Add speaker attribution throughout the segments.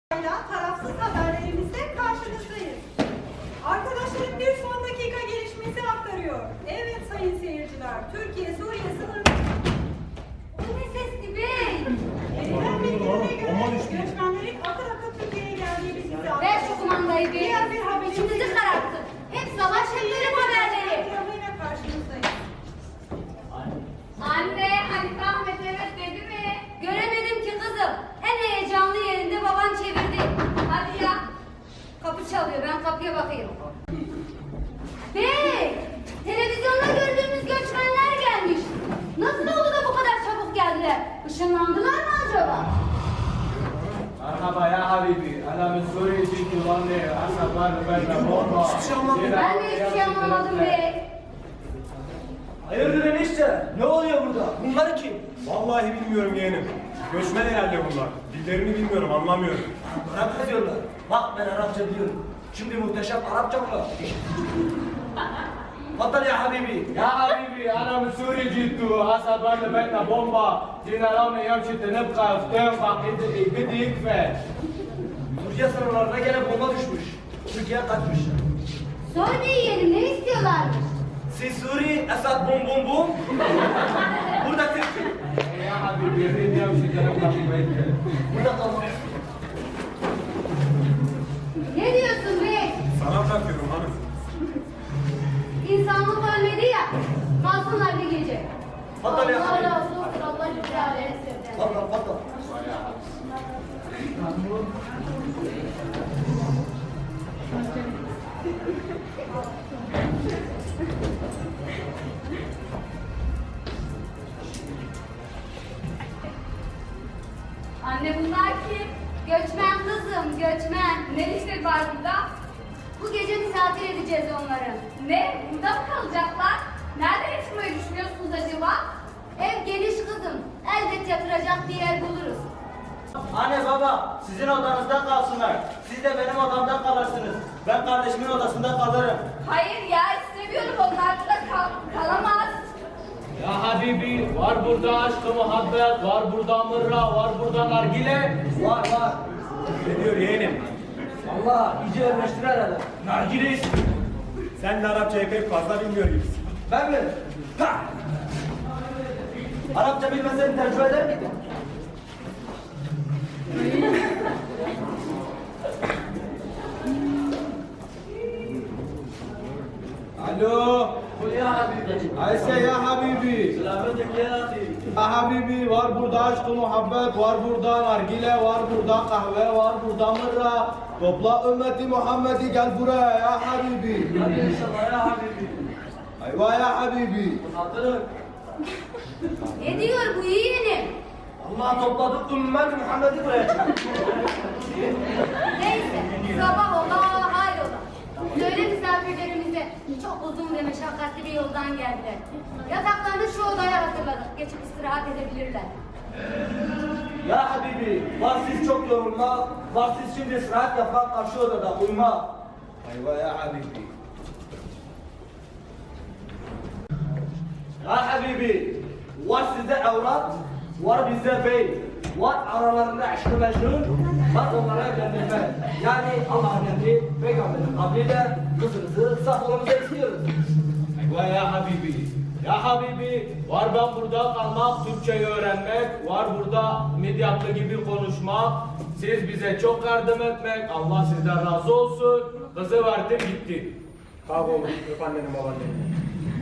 Speaker 1: Tarafsız haberlerimizle karşınızdayız. Arkadaşlarım bir son dakika gelişmesi aktarıyor. Evet sayın seyirciler, Türkiye-Suriye sınırı...
Speaker 2: Bu ne sesli bey?
Speaker 1: Verilen bilgilere göre göçmenlerin akın akın Türkiye'ye geldiği bilgisi aktarıyor.
Speaker 2: Ver şu kumandayı bey.
Speaker 1: Diğer bir haberimiz...
Speaker 2: İçimizi kararttı. Hep savaş heplerim haberleri.
Speaker 1: Programıyla karşınızdayız.
Speaker 2: Anne, Hanife Ahmet evet dedi mi? Göremedim ki kızım. En heyecanlı yerinde baban çevirdi. Hadi ya. Kapı çalıyor, ben kapıya bakayım. Bey, televizyonda gördüğümüz göçmenler gelmiş. Nasıl oldu da bu kadar çabuk geldiler? Işınlandılar mı acaba?
Speaker 3: مرحبا يا حبيبي انا من سوريا جيت لندن هسه بعد بومبا
Speaker 2: Ben de hiçbir şey anlamadım bey.
Speaker 4: Hayırdır enişte? Ne oluyor burada? Bunlar kim?
Speaker 5: Vallahi bilmiyorum yeğenim. Göçmen herhalde bunlar. Dillerini bilmiyorum, anlamıyorum.
Speaker 4: Arap yazıyorlar. Bak ben Arapça biliyorum. Şimdi muhteşem Arapça mı? Vattal ya Habibi.
Speaker 3: يا حبيبي انا من سوريا جيت هسه بعد بيتنا بومبا جينا لندن يوم شئت نبقى فتنبق بدي يكفى
Speaker 4: Türkiye sınırlarına gene bomba düşmüş. Türkiye kaçmış.
Speaker 2: Sonra yiyelim, ne istiyorlarmış?
Speaker 4: Siz Suri, Esad bum bum bum. Burada Türkiye.
Speaker 3: يا حبيبي يريد يوم شئت نبقى في بيتنا
Speaker 4: Burada kalmak.
Speaker 2: Ne diyorsun bey?
Speaker 5: Sana bırakıyorum hanım.
Speaker 2: İnsanlık ölmedi ya. Kalsınlar bir gece.
Speaker 4: Vattal ya
Speaker 2: Allah
Speaker 4: Habibi.
Speaker 2: razı olsun. Allah güzel etsin.
Speaker 4: Vattal vattal.
Speaker 2: Anne bunlar kim? Göçmen kızım, göçmen. Ne işleri var burada? Bu gece misafir edeceğiz onları. Ne? Burada mı kalacaklar? Nerede yaşamayı düşünüyorsunuz acaba? Ev geniş kızım. Elbet yatıracak bir yer buluruz.
Speaker 4: Anne baba sizin odanızda kalsınlar. Siz de benim odamda kalırsınız. Ben kardeşimin odasında kalırım.
Speaker 2: Hayır ya istemiyorum. Onlar burada kalamaz.
Speaker 3: يا حبيبي var burada aşk muhabbet var burada mırra var burada nargile
Speaker 4: Var var.
Speaker 5: Ne diyor yeğenim?
Speaker 4: Allah iyice örneştir herhalde. Nargile istiyor.
Speaker 5: Sen de Arapçayı pek fazla bilmiyor gibisin.
Speaker 4: Ben mi? Ha! Arapça bilmesen tercüme eder miydin?
Speaker 3: الو
Speaker 4: Kul ya Habibi.
Speaker 3: Ayşe ya habibi
Speaker 4: Selametik ya Habibi.
Speaker 3: ya habibi var burada aşk muhabbet var burada nargile var burada kahve var burada mırra topla ümmeti Muhammed'i gel buraya ya habibi
Speaker 4: Hadi inşallah ya Habibi.
Speaker 3: ayva ya habibi
Speaker 4: Hatırın.
Speaker 2: Ne diyor bu yeğenim?
Speaker 4: Allah topladı ümmet Muhammed'i buraya çıkardı.
Speaker 2: Neyse, sabah ola, hayrola. Söyle misafirlerimize, çok uzun ve meşakkatli bir yoldan geldiler. Yataklarını şu odaya hazırladık, geçip istirahat edebilirler.
Speaker 4: Ya Habibi, var siz çok yorulma, var siz şimdi istirahat yapmak karşı odada uyuma.
Speaker 3: ayva ya habibi
Speaker 4: Ya Habibi, var sizde evlat, var bizde bey, var aralarında aşkı mecnun, var onlara evlendirme. Yani Allah'ın emri, peygamberin kabriyle kızınızı saf olmanızı istiyoruz.
Speaker 3: ayva ya habibi ya habibi var ben burada kalmak Türkçeyi öğrenmek var burada medyatlı gibi konuşmak siz bize çok yardım etmek Allah sizden razı olsun kızı verdim gitti.
Speaker 5: Sağ ol, öp anneni babaanneni.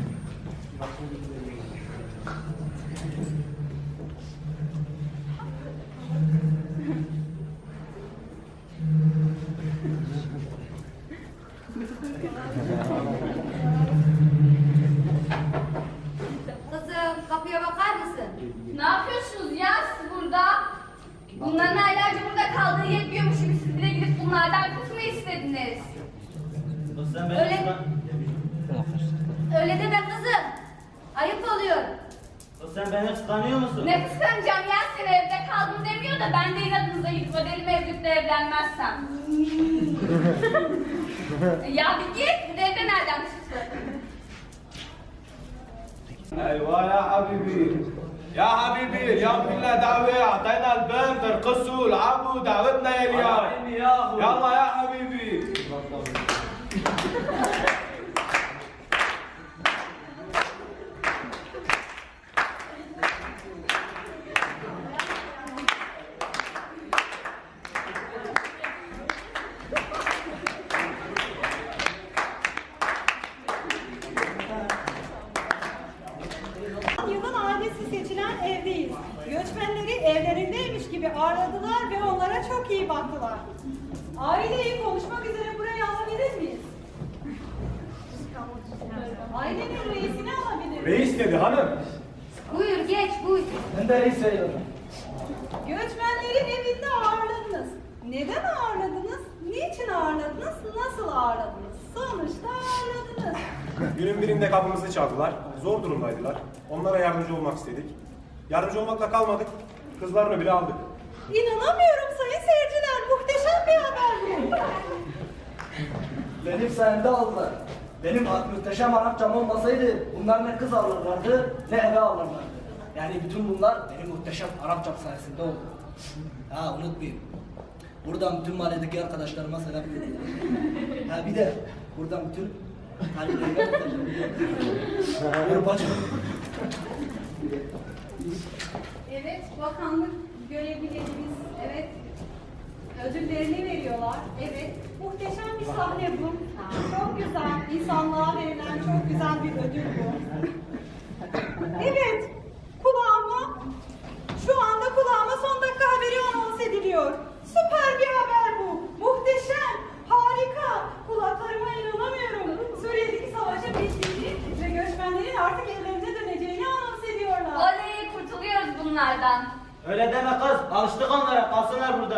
Speaker 2: Kızım, kapıya bakar mısın? Ne yapıyorsunuz ya siz burada? Bunların aylarca burada kaldığı yetmiyormuş gibi siz bile gidip bunlardan kız mı istediniz? Öyle, öyle deme kızım. Ayıp oluyor.
Speaker 4: Sen beni kıskanıyor musun?
Speaker 2: Ne kıskanacağım ya seni evde kaldım demiyor da ben de inadınıza gidip o deli mevlütle evlenmezsem. Ya bir git, bu evde nereden çıktı?
Speaker 3: Eyvah ya habibi يا حبيبي اليوم كنا دعوة أعطينا البنت ارقصوا العبوا دعوتنا يا اليوم يلا يا حبيبي
Speaker 1: Yılın ailesi seçilen evdeyiz. Göçmenleri evlerindeymiş gibi ağırladılar ve onlara çok iyi baktılar. Aileyi konuşmak üzere buraya alabilir miyiz? Ailenin reisini alabilir miyiz?
Speaker 5: Reis dedi hanım.
Speaker 2: Buyur geç buyur.
Speaker 4: Ben de reis sayılırım.
Speaker 1: Göçmenleri evinde ağırladınız. Neden ağırladınız? Niçin ağırladınız? Nasıl ağırladınız? Sonuçta ağırladınız.
Speaker 5: Günün birinde kapımızı çaldılar. Zor durumdaydılar. Onlara yardımcı olmak istedik. Yardımcı olmakla kalmadık. Kızlarını bile aldık.
Speaker 1: İnanamıyorum sayın seyirciler. Muhteşem bir haber bu.
Speaker 4: Benim sayemde aldılar. Benim muhteşem Arapçam olmasaydı bunlar ne kız alırlardı ne eve alırlardı. Yani bütün bunlar benim muhteşem Arapçam sayesinde oldu. Ha unutmayın. Buradan bütün mahalledeki arkadaşlarıma selam veriyorum. Ha bir de buradan bütün kalplerime Buyur bacım.
Speaker 1: Evet, bakanlık görevlilerimiz, evet, ödüllerini veriyorlar. Evet, muhteşem bir sahne bu. Çok güzel, insanlığa verilen çok güzel bir ödül bu. Evet, şu anda kulağıma son dakika haberi anons ediliyor. Süper bir haber bu. Muhteşem, harika. Kulaklarıma inanamıyorum. Suriye'deki savaşın bittiğini ve göçmenlerin artık evlerine döneceğini anons ediyorlar.
Speaker 2: Oley kurtuluyoruz bunlardan.
Speaker 6: Öyle deme kız. Alıştık onlara. Kalsınlar burada.